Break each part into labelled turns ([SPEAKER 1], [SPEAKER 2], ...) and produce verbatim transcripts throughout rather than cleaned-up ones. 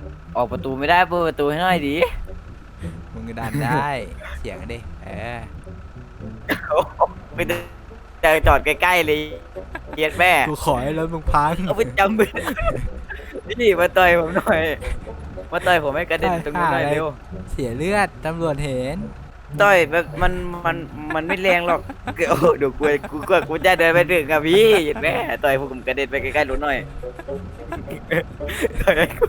[SPEAKER 1] ออกประตูไม่ได้เปิดประตูให้หน่อยดิ
[SPEAKER 2] มึงก็ดันได้เสียงดิเออ
[SPEAKER 1] ไม่ได้เจอจอดใกล้ๆเลยเกียดแม่
[SPEAKER 2] กูขอให้รถมึงพัง
[SPEAKER 1] เอาไปจำไปนี่มาต่อยผมหน่อยมาต่อยผมให้กระเด็นตรงนู้นหน่อยเร็ว
[SPEAKER 2] เสียเลือดตำรวจเห็น
[SPEAKER 1] ต่อยแบบมันมันมันไม่แรงหรอกโอ้เดี๋ยวกูกูกูกูจะเดินไปถึงกับพี่เห็นไหมต่อยผมกระเด็นไปใกล้ๆรถหน่อยต่อยกู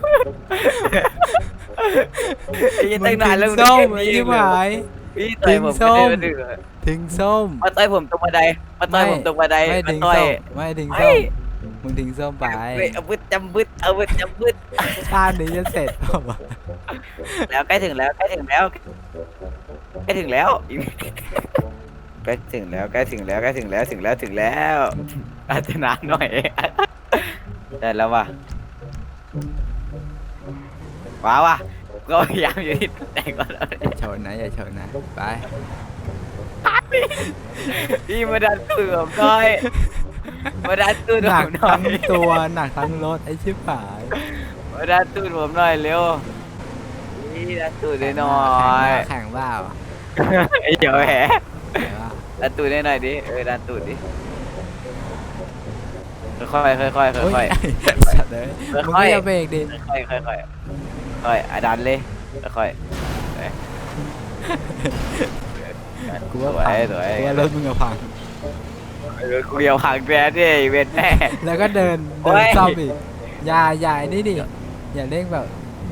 [SPEAKER 1] ยังตั้งนานแล้ว
[SPEAKER 2] มึงทิ้งส้มไอ้ที่หาย
[SPEAKER 1] พี่ต่อยผมกระเด็นไปถึง
[SPEAKER 2] ทิ้งส้ม
[SPEAKER 1] มาต่อยผมตรงบันไดมาต่อยผมตรงบันได
[SPEAKER 2] ไม่
[SPEAKER 1] มา
[SPEAKER 2] ทิ้ง
[SPEAKER 1] ต่อย
[SPEAKER 2] ส้มไม่ทิ้งส้มมึงทิ้งส้มไป
[SPEAKER 1] เอาบึดจำบึดเอาบึดจำบึด
[SPEAKER 2] ชาตินี้จะเสร็จเปล่าวะ
[SPEAKER 1] แล้วใกล้ถึงแล้วใกล้ถึงแล้วใกล้ถึงแล้วใกล้ถึงแล้วใกล้ถึงแล้วใกล้ถึงแล้วถึงแล้วถึงแล้วอาจจะนานหน่อยได้แล้วว่ะว้าวว่ะก็พยายามอยู่ที่แต่ก่อนแล้ว
[SPEAKER 2] อย่าชนนะอย่าชนนะไป
[SPEAKER 1] พี่มาดันตูดผมหน่อยมาดันตูด
[SPEAKER 2] ห
[SPEAKER 1] ผ
[SPEAKER 2] นัก
[SPEAKER 1] มหน่อ
[SPEAKER 2] ทั้
[SPEAKER 1] ย
[SPEAKER 2] งตัวหนักทั้งรถไอ้ชิบหาย
[SPEAKER 1] มาดันตูดผมหน่อยเร็วนี่ดันตูดหน่อย
[SPEAKER 2] แข่งเปล่า
[SPEAKER 1] ไอ้เหี้ยแหม
[SPEAKER 2] แข่งเปล่า
[SPEAKER 1] ดันตูดหน่อยดิเออดันตูดดิค่อยๆค่อยๆค่อยๆ
[SPEAKER 2] โอ้
[SPEAKER 1] ค่อย
[SPEAKER 2] สัตว์เลยมึงก็อย่าเบรกดิ
[SPEAKER 1] ๆค่อยๆค่อยๆค่อยๆอ่ะดันเลยค่อยๆ
[SPEAKER 2] กูว่า
[SPEAKER 1] สว
[SPEAKER 2] พัง
[SPEAKER 1] ยสวย
[SPEAKER 2] กูว่ารถมึงอะพัง
[SPEAKER 1] เออกูเดียวห่างแกดิเวนแม่
[SPEAKER 2] แล้วก็เดิน
[SPEAKER 1] โอ้
[SPEAKER 2] เดิน
[SPEAKER 1] ย
[SPEAKER 2] ซ่อมอีกอย่าอย่าไอ้นี่ดิอย่าเร่งแบบ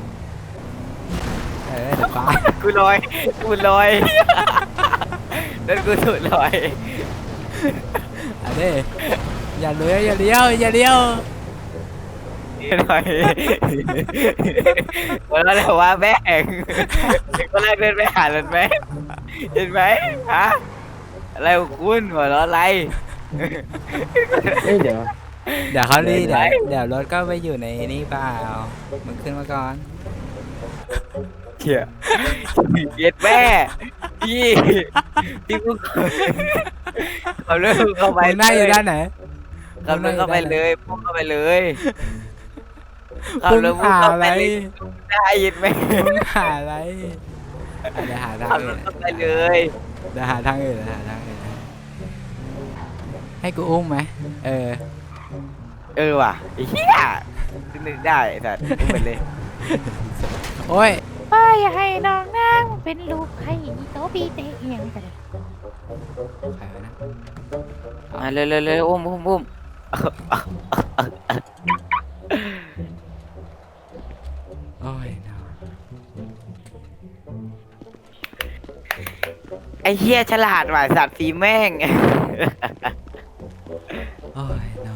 [SPEAKER 2] เออเดี๋ยวฟ้า
[SPEAKER 1] กูลอยกูลอยนั่นกูสุดลอย
[SPEAKER 2] อันนี้อย่าเลี้ยวอย่าเลี้ยวอย่าเลี้ยว
[SPEAKER 1] หน่อยวันนั้นเลยว่าแม่งก็แรกเดินไปหาเลยแม่เห็นไหมฮะอะไรของคุณหัวเราะอะไร
[SPEAKER 3] เอ้ยเดี๋ยว
[SPEAKER 2] เดี๋ยวเขารี
[SPEAKER 1] เดิ
[SPEAKER 2] เดี๋ย
[SPEAKER 1] น
[SPEAKER 2] ว
[SPEAKER 1] ไป
[SPEAKER 2] เดี๋ยวรถก็ไปอยู่ในนี่เปล่ามึงขึ้นมาก่อน
[SPEAKER 1] เขี่ยเย็ดแม่พี่พี่กูเขาเริ่มเข้าไป
[SPEAKER 2] มึงนั่งอยู่ด้านไหน
[SPEAKER 1] เขาเริ่มเข้าไปเลยพุ่งเข้าไปเลย
[SPEAKER 2] มึงหาอะไร
[SPEAKER 1] ได้ยินไหม
[SPEAKER 2] มึงหาอะไรอ่ะเดี๋ยวหาทาง
[SPEAKER 1] ขับร
[SPEAKER 2] อื่
[SPEAKER 1] ถ
[SPEAKER 2] น
[SPEAKER 1] เข้าไปเลย
[SPEAKER 2] เดี๋ยวหาทางอื่นเดี๋ยวหาทางอื่นให้กูอุ้มไหมเออ
[SPEAKER 1] เออว่ะไอ้เหี้ยนึกได้ไอ้สัตว์พูดไปเลย
[SPEAKER 2] โอ้ย
[SPEAKER 4] เอ้ยอย่าให้น้องนั่งเป็นลูกให้โตปีเตะเอียงกันเลย
[SPEAKER 2] ใครวะนะ
[SPEAKER 1] มาเร็วเร็วเร็วอุ้มอุ้มอุ้ม
[SPEAKER 2] โอ้ย no
[SPEAKER 1] ไอ้เหี้ยฉลาดว่ะสัตว์สีแม่ง
[SPEAKER 2] โอ้ย no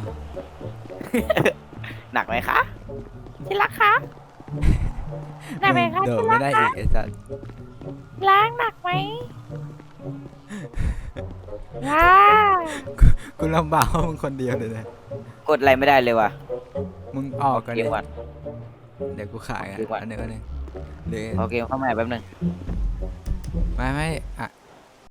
[SPEAKER 1] หนักไหมคะ
[SPEAKER 4] ที่รักคะหนักไหมคะ
[SPEAKER 2] เดี๋ยว
[SPEAKER 4] ที่
[SPEAKER 2] ไม่
[SPEAKER 4] รัก
[SPEAKER 2] ได้
[SPEAKER 4] คะ
[SPEAKER 2] อีกไอ้สัส
[SPEAKER 4] ล้างหนักไหมล้าง
[SPEAKER 2] กูลำบากเพราะมึงคนเดียวเลยนะ
[SPEAKER 1] กดอะไรไม่ได้เลยว่ะ
[SPEAKER 2] มึงออกกัน
[SPEAKER 1] เก
[SPEAKER 2] เล
[SPEAKER 1] ม
[SPEAKER 2] ย
[SPEAKER 1] ก่อน
[SPEAKER 2] เดี๋ยวกูขายอ่ะ
[SPEAKER 1] ดีกว่า
[SPEAKER 2] อันหนึ่งอันหนึ่งหรือ
[SPEAKER 1] เอาเกมเข้ามาแป๊บนึง
[SPEAKER 2] ไม่ไม่อ่ะ